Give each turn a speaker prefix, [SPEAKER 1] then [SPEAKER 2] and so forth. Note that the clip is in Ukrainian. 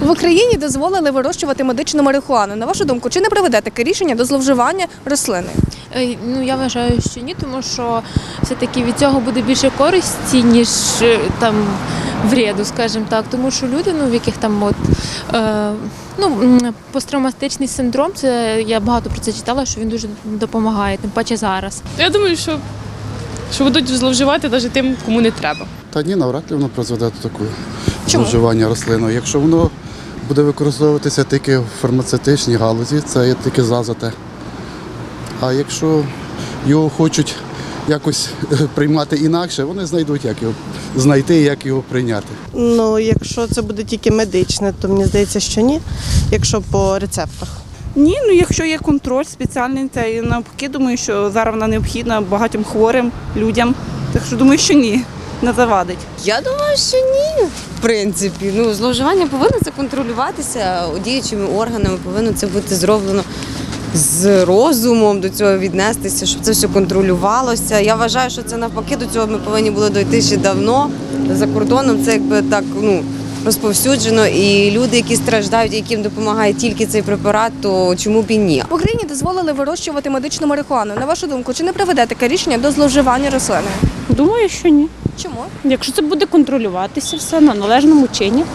[SPEAKER 1] В Україні дозволили вирощувати медичну марихуану. На вашу думку, чи не приведе таке рішення до зловживання рослини?
[SPEAKER 2] Ну, я вважаю, що ні, тому що все-таки від цього буде більше користі, ніж там вреду, скажімо так. Тому що люди, в яких там посттравматичний синдром, це я багато про це читала, що він дуже допомагає, тим паче зараз.
[SPEAKER 3] Я думаю, що будуть зловживати навіть тим, кому не треба.
[SPEAKER 4] Та ні, навряд ли воно призведе до такого
[SPEAKER 1] Чому?
[SPEAKER 4] зловживання рослиною. Якщо воно буде використовуватися тільки в фармацевтичній галузі, це є тільки за те. А якщо його хочуть якось приймати інакше, вони знайдуть, як його знайти і як його прийняти.
[SPEAKER 5] Ну, якщо це буде тільки медичне, то мені здається, що ні, якщо по рецептах.
[SPEAKER 6] Ні, якщо є контроль спеціальний, це і навпаки, думаю, що зараз вона необхідна багатьом хворим людям. Так що думаю, що ні, не завадить.
[SPEAKER 7] Я думаю, що ні, в принципі. Зловживання повинно це контролюватися діючими органами, повинно це бути зроблено з розумом, до цього віднестися, щоб це все контролювалося. Я вважаю, що це навпаки, до цього ми повинні були дойти ще давно. За кордоном це якби так, розповсюджено, і люди, які страждають, яким допомагає тільки цей препарат, то чому б і ні?
[SPEAKER 1] В Україні дозволили вирощувати медичну марихуану. На вашу думку, чи не приведе таке рішення до зловживання рослиною?
[SPEAKER 8] Думаю, що ні.
[SPEAKER 1] Чому?
[SPEAKER 8] Якщо це буде контролюватися все на належному чині,